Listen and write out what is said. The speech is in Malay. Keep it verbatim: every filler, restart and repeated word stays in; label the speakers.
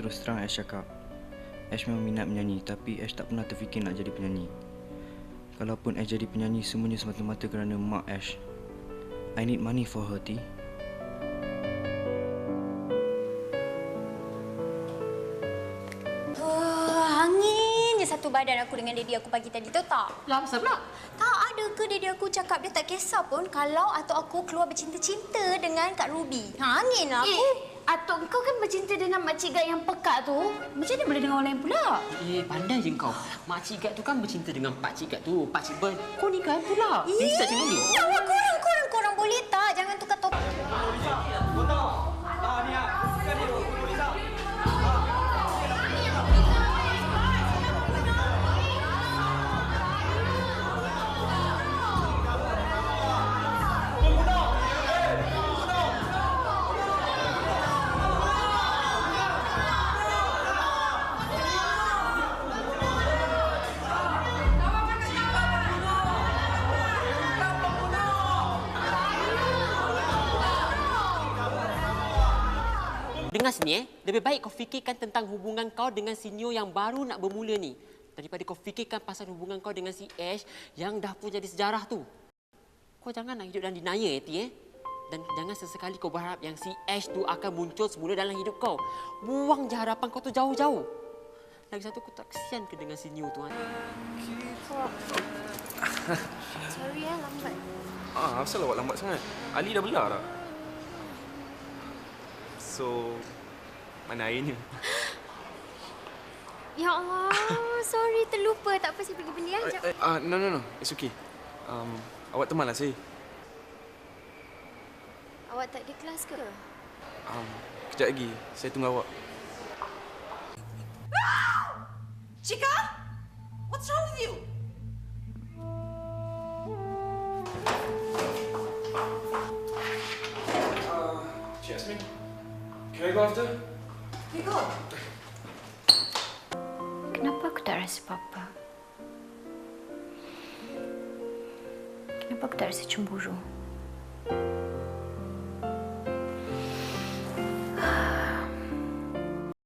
Speaker 1: Terus terang Ash cakap, Ash memang minat menyanyi tapi Ash tak pernah terfikir nak jadi penyanyi. Kalaupun Ash jadi penyanyi, semuanya semata-mata kerana mak Ash. I need money for her, T.
Speaker 2: Satu badan aku dengan daddy aku pagi tadi, tahu tak?
Speaker 3: Lah, apa pula?
Speaker 2: Tak ada ke daddy aku cakap dia tak kisah pun kalau atuk aku keluar bercinta-cinta dengan Kak Ruby. Ha, angin lah aku.
Speaker 3: Eh, atuk kau kan bercinta dengan makcik Gad yang pekat tu. Macam mana boleh dengan orang lain pula?
Speaker 4: Eh, pandai je kau. Makcik Gad tu kan bercinta dengan pakcik Gad tu. Pakcik Ber, kau nikah pula. Bisa macam ni.
Speaker 2: Ya Allah, korang, korang, korang boleh tak? Jangan tukar topik.
Speaker 4: Dengar sini eh, lebih baik kau fikirkan tentang hubungan kau dengan senior yang baru nak bermula ni. Daripada kau fikirkan pasal hubungan kau dengan si Ash yang dah pun jadi sejarah tu. Kau jangan nak hidup dalam denial eh, T eh. Dan jangan sesekali kau berharap yang si Ash tu akan muncul semula dalam hidup kau. Buang je harapan kau tu jauh-jauh. Lagi satu, kau tak kesian ke dengan senior tu?
Speaker 2: Sorry ya, lambat.
Speaker 5: Ah, asal awak lambat sangat? Ali dah belar tak? So, mana airnya?
Speaker 2: Ya Allah, sorry terlupa. Tak apa, saya pergi beli ya.
Speaker 5: Ah, uh, uh, no, no, no. It's okay. Um, awak temanlah saya.
Speaker 2: Awak tak ada kelas ke?
Speaker 5: Um, kejap lagi. Saya tunggu awak.
Speaker 6: Chica? What's wrong with you?
Speaker 5: Uh, Cik Yasmin. Can I go after?
Speaker 6: You go.
Speaker 3: Kenapa aku tak rasa apa-apa? Kenapa aku tak rasa cemburu?